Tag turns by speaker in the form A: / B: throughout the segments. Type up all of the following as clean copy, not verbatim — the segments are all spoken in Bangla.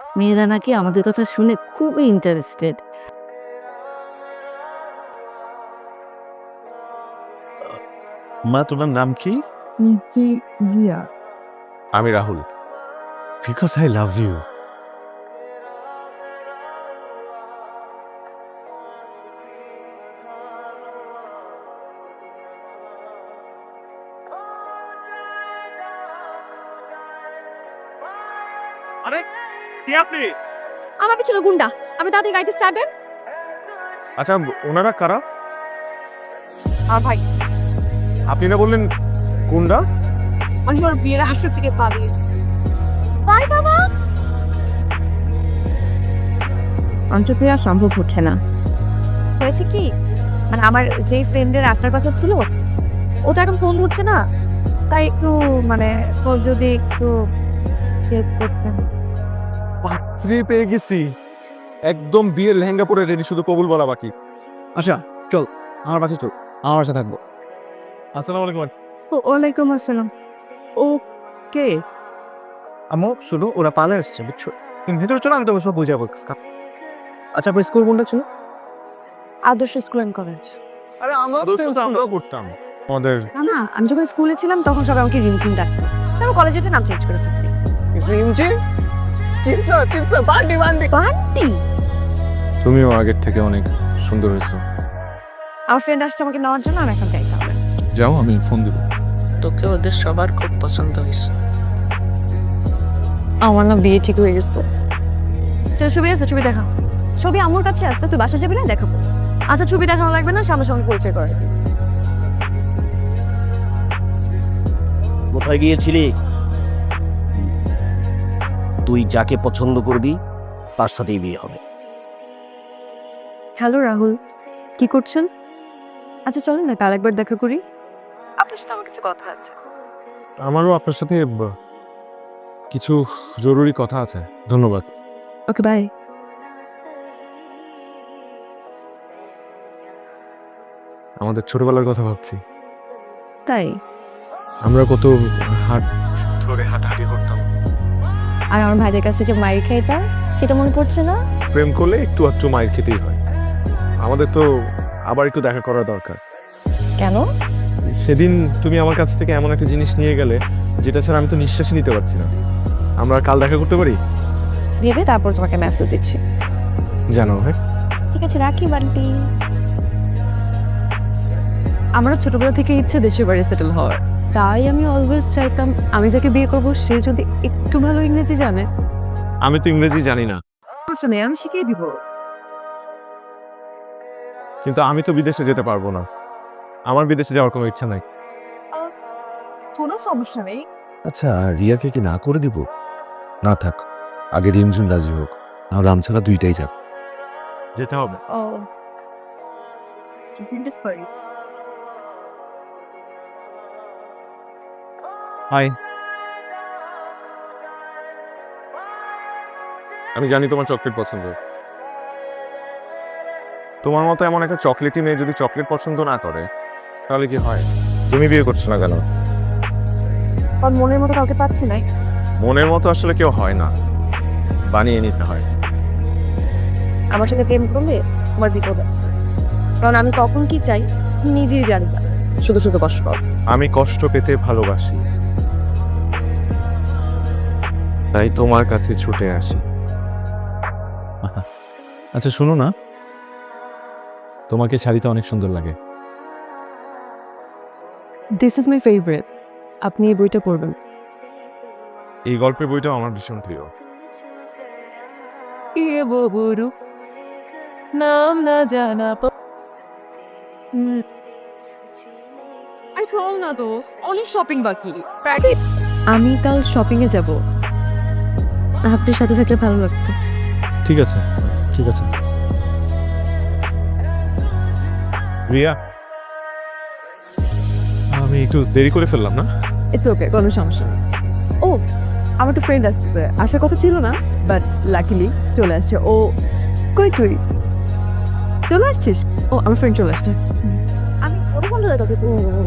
A: মেয়েরা নাকি আমাদের কথা শুনে খুবই ইন্টারেস্টেড।
B: মা, তোমার নাম কি?
A: জি রিয়া।
B: আমি Rahul. Because I love you. আরে কে আপনি?
C: আমার পিছনে গুন্ডা, আপনি তাড়াতাড়ি গাড়িটা স্টার্ট দেন।
B: আচ্ছা, ওনারা কারা?
C: আর ভাই
B: আপনি না বললেন গুন্ডা?
C: আমি ওর বিয়ের আসর থেকে পালিয়ে এসেছি। বাই বাবা।
A: অন্তপ্রিয়া সম্ভব হচ্ছে না।
C: হয়েছে কি, মানে আমার যে ফ্রেন্ডের আসার কথা ছিল ও তো এখন ফোন ধরছে না, তাই একটু মানে ওর যদি একটু হেল্প করতেন।
B: পাত্রী পেয়ে গেছি, একদম বিয়ের লেহেঙ্গা পরে রেডি, শুধু কবুল বলা বাকি। আচ্ছা চল, আমার বাসে চল, আমার বাসা থাকবো। আসসালামু আলাইকুম।
A: ওয়ালাইকুম আসসালাম। ও কে?
D: আমো শুধু ওরা পালে আসছে, বুঝছো? তুমি ভেতরে চলো, আমি তোকে সব বুঝাবো। আচ্ছা, আপনার স্কুল কোনটা ছিল?
C: আদর্শ স্কুল অ্যান্ড কলেজ।
B: আরে আমরাও করতাম আমাদের।
C: না না, আমি যখন স্কুলে ছিলাম তখন সবাই আমাকে রিমঝিম ডাকতো, আমি কলেজে নাম চেঞ্জ করে ফেলছি।
D: বান্টি
C: বান্টি।
B: তুমিও আগের থেকে অনেক সুন্দর হয়েছো।
C: আমার ফ্রেন্ড আসছে আমাকে নেওয়ার জন্য, আমি এখন যাইতে হবে।
B: যাও, আমি ফোন দিব।
A: তোকে ওদের সবার খুব পছন্দ হয়েছে।
C: আমার না বিয়ে ঠিক হয়ে গেছে। চল, ছবি আছে, ছবি দেখা। ছবি আমার কাছে আসতে, তুই বাসা যাবি না? দেখাবো। আচ্ছা, ছবি দেখানো লাগবে না, সামনাসামনি পরিচয় করে দিস।
E: কোথায় গিয়েছিলি? তুই যাকে পছন্দ করবি তার সাথেই বিয়ে হবে।
C: হ্যালো রাহুল, কি করছেন? আচ্ছা চলুন না কাল একবার দেখা করি, আপনার সাথে আমার কিছু কথা আছে।
B: আমারও আপনার সাথে কিছু জরুরি কথা আছে। ধন্যবাদ।
C: Okay bye.
B: আমাদের ছোটবেলার কথা ভাবছি।
C: তাই?
B: আমরা কত হাট ধরে হাঁটাহাঁটি করতাম।
C: আর আমার ভাইদের কাছে যে মায়ের খাইতাম সেটা মনে পড়ছে না?
B: প্রেম করলে একটু আধটু মায়ের খেতেই হয়। আমাদের তো আবার একটু দেখা করা দরকার।
C: কেন?
B: সেদিন তুমি আমার কাছ থেকে এমন একটা জিনিস নিয়ে গেলে যেটা ছাড়া আমি তো নিঃশ্বাসই নিতে পারছি না। আমরা কাল দেখা করতে পারি?
C: ভেবে তারপর তোমাকে মেসেজ দিচ্ছি।
B: জানো, হ্যাঁ
C: ঠিক আছে, রাখি বান্টি। আমার ছোটবেলা থেকে ইচ্ছে দেশের বাড়ি সেটেল হওয়ার, তাই আমি অলওয়েজ চাইতাম আমি যাকে বিয়ে করবো সে যদি একটু ভালো ইংরেজি জানে।
B: আমি তো ইংরেজি জানি না,
A: আমি শিখিয়ে দিব।
B: কিন্তু আমি তো বিদেশে যেতে পারবো না। আমার বিদেশে যাওয়ার কোনো ইচ্ছা নাই।
C: কোনো সমস্যা নেই।
F: আচ্ছা, রিয়াকে কি না করে দিব? না থাক, আগে রিমঝিম রাজি হোক, আর রাম ছাড়া দুইটাই যাক।
B: যেতে হবে।
C: Oh
B: hi. আমি জানি তোমার চকলেট পছন্দ। তোমার মতো এমন একটা চকলেটই মেয়ে যদি চকলেট পছন্দ না করে তাহলে কি হয়? তুমি বিয়ে করছো না কেন?
C: আর মনের মতো কাউকে পাচ্ছি না।
B: মনের মতো আসলে কেউ হয় না, বানিয়ে নিতে হয়।
C: আমার সাথে প্রেম করলে আমার বিপদ আছে, কারণ আমি কখন কি চাই নিজেই জানি না, শুধু শুধু কষ্ট পাবো।
B: আমি কষ্ট পেতে ভালোবাসি, তাই তোমার কাছে ছুটে আসি। আচ্ছা শোনো না, তোমাকে শাড়িতে অনেক সুন্দর লাগে।
C: দিস ইজ মাই ফেভারিট, আপনি এই বইটা পড়বেন।
B: এই গল্পের বইটাও আমার ভীষণ প্রিয়।
A: নাম না জানা।
C: আরে চল না তো, অনেক শপিং বাকি। আমি কাল শপিং এ যাব, আপনার সাথে থাকলে ভালো লাগতো।
B: ঠিক আছে, ঠিক আছে। রিয়া, আমি একটু দেরি করে ফেললাম না?
G: ইটস ওকে, কোনো সমস্যা নেই। ও, আমার তো ফ্রেন্ড আসছে, আসার কথা ছিল না, বাট লাকিলি চলে আসছে। ও কই, তুই চলে আসছিস? ও, আমার ফ্রেন্ড চলে আসছে।
C: আমি ওর বন্ধু তোকে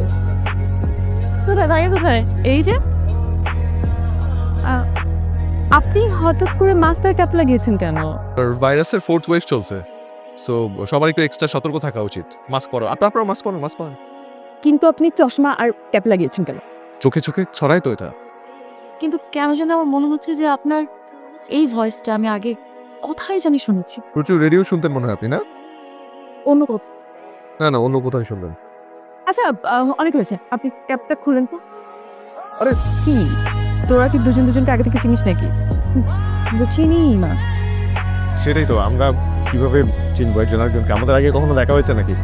G: কোথায় ভাইয়া, কোথায়? এই যে আপনি হঠাৎ করে মাস্টার ক্যাপ লাগিয়েছেন কেন?
B: ভাইরাসের ফোর্থ ওয়েভ চলছে, সো সবার একটু এক্সট্রা সতর্ক থাকা উচিত। মাস্ক পরো, আপনারা মাস্ক পরো, মাস্ক পরো।
G: কিন্তু আপনি চশমা আর ক্যাপ লাগিয়েছেন কেন?
B: চোখে চোখে ছড়াই তো এটা।
C: কিন্তু কেন যেন আমার মনে হচ্ছে যে আপনার এই ভয়েসটা আমি আগে কোথায় জানি শুনেছি।
B: প্রচুর রেডিও শুনতেন মনে হয় আপনি, না?
G: অন্য কোথাও।
B: না অন্য কোথায় শুনবেন।
G: আচ্ছা, অনেক হয়েছে, আপনি ক্যাপটা খুলেন তো।
B: আরে!
G: কি তোরা কি দুজনকে আগে থেকে চিনিস নাকি? চিনি না।
B: সেটাই তো, আমরা কিভাবে চিনবো একজন আরেকজনকে? আমাদের আগে কখনো দেখা হয়েছে নাকি?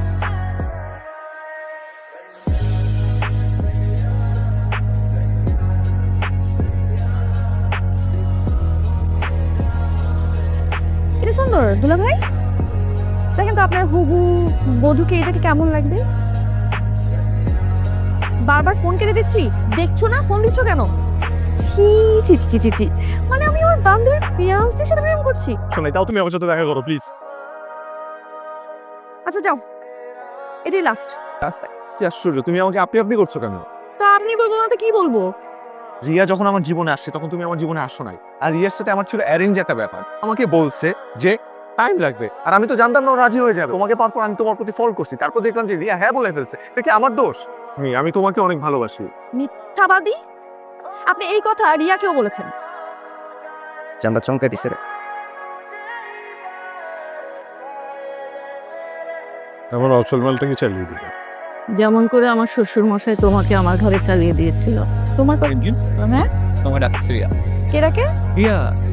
G: এটা সুন্দর দুলা ভাই, দেখেন তো আপনার হুবু বধূকে এটাকে কেমন লাগবে?
C: বারবার ফোন কেটে দিচ্ছি, দেখছো না? ফোন দিচ্ছ কেন?
G: ছি ছি ছি ছি ছি, মানে আমি আমার বান্ধবীর ফিয়ান্সের সাথে প্রেম করছি।
B: শোনাই, তাও তুমি আমার সাথে দেখা করো প্লিজ।
C: আচ্ছা যাও, এটাই লাস্ট।
B: কি আশ্চর্য, তুমি আমাকে আপনি করছো কেন?
C: তা আপনি বলবো না তো কি বলবো?
B: রিয়া যখন আমার জীবনে আসছে তখন তুমি আমার জীবনে আসছো নাই। আর রিয়ার সাথে আমার ছিল অ্যারেঞ্জ একটা ব্যাপার। আমাকে বলছে যে টাইম লাগবে, আর আমি তো জানতাম না ও রাজি হয়ে যাবে। তোমাকে পাওয়ার পর আমি তোমার প্রতি ফল করছি, তারপর দেখলাম যে রিয়া হ্যাঁ বলে ফেলছে। এটা কি আমার দোষ? আমি তোমাকে অনেক ভালোবাসি।
C: মিথ্যাবাদী! আপনি এই কথা রিয়াকেও বলেছেন।
D: জানটা চমকে দিছে রে।
B: আমার অচল মালটাকে চালিয়ে দিবে।
A: যেমন করে আমার শ্বশুর মশাই তোমাকে আমার ঘরে চালিয়ে দিয়েছিল।
C: তোমার হ্যাঁ,
D: তোমার ডাকছি রিয়া।
C: কে রাখে?
D: রিয়া,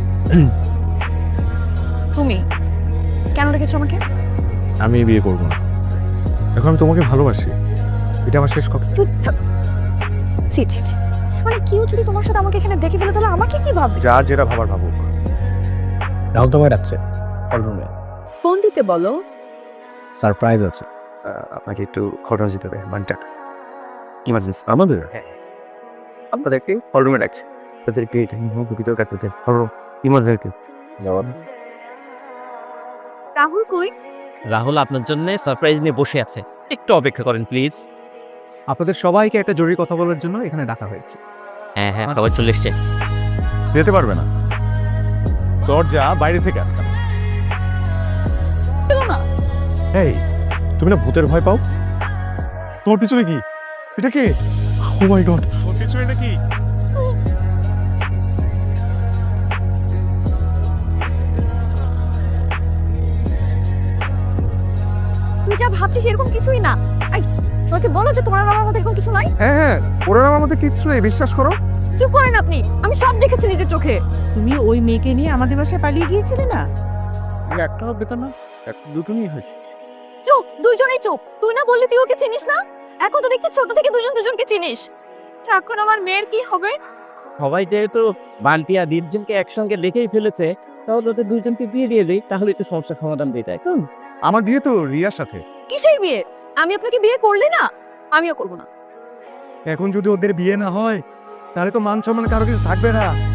C: তুমি কেন রেখেছো আমাকে?
B: আমি বিয়ে করবো না, এখন আমি তোমাকে ভালোবাসি, এটা আমার শেষ কথা।
C: চুপ থাক। ছি ছি ছি, মানে কেউ যদি তোমার সাথে আমাকে এখানে দেখে ফেলে তাহলে আমাকে কি ভাববে?
B: যার যেটা ভাবার ভাবুক।
D: রাহুল তোমায় ডাকছে হলরুমে,
A: ফোন দিতে বলো।
D: সারপ্রাইজ আছে। আপনাকে একটু ঘটনা যেতে হবে, মানে ডাকছে ইমার্জেন্সি।
B: আমাদের
D: আপনাদেরকে হলরুমে ডাকছে। তাদেরকে ভিতরে কাটতে দেন, হলরুম ইমার্জেন্সি।
C: রাহুল কই?
E: রাহুল আপনার জন্য সারপ্রাইজ নিয়ে বসে আছে, একটু অপেক্ষা করেন প্লিজ।
D: আপনাদের সবাইকে একটা জরুরি কথা বলার জন্য এখানে ডাকা হয়েছে।
E: হ্যাঁ সবাই চলে এসছে।
B: যেতে পারবে না, দরজা বাইরে থেকে আটকানো। এই, তুমি না ভূতের ভয় পাও? তোর পিছনে কি? এটা কে? ও মাই গড, তোর পিছনে এটা কি?
C: তুই যা ভাবছিস এরকম কিছুই না। আই, সবাইকে বলো যে তোমার বাবার মধ্যে এরকম কিছু নাই।
B: হ্যাঁ ওরা আমার মধ্যে কিচ্ছু নেই, বিশ্বাস করো।
C: চুপ করেন আপনি, আমি সব দেখেছি নিজের চোখে।
A: তুমি ওই মেয়েকে নিয়ে আমাদের বাসায় পালিয়ে গিয়েছিলে না?
B: একটাও বেতন না, দুটো নিয়ে হয়েছে।
C: চুপ, দুইজনেই চুপ। তুই না বললি তুই ওকে চিনিস না? এখন তো দেখছি ছোট থেকে দুজনকে চিনিস। এখন আমার মেয়ের কি হবে?
E: সবাই যেহেতু বান্টি আর দীপজনকে একসঙ্গে রেখেই ফেলেছে, তাহলে ওদের দুইজনকে বিয়ে দিয়ে দিই, তাহলে একটু সমস্যার সমাধান দিয়ে যায়।
B: আমার বিয়ে তো রিয়ার সাথে।
C: কিসের বিয়ে? আমি আপনাকে বিয়ে করলে না, আমিও করব না।
B: এখন যদি ওদের বিয়ে না হয় তাহলে তো মান সম্মান কারো কিছু থাকবে না।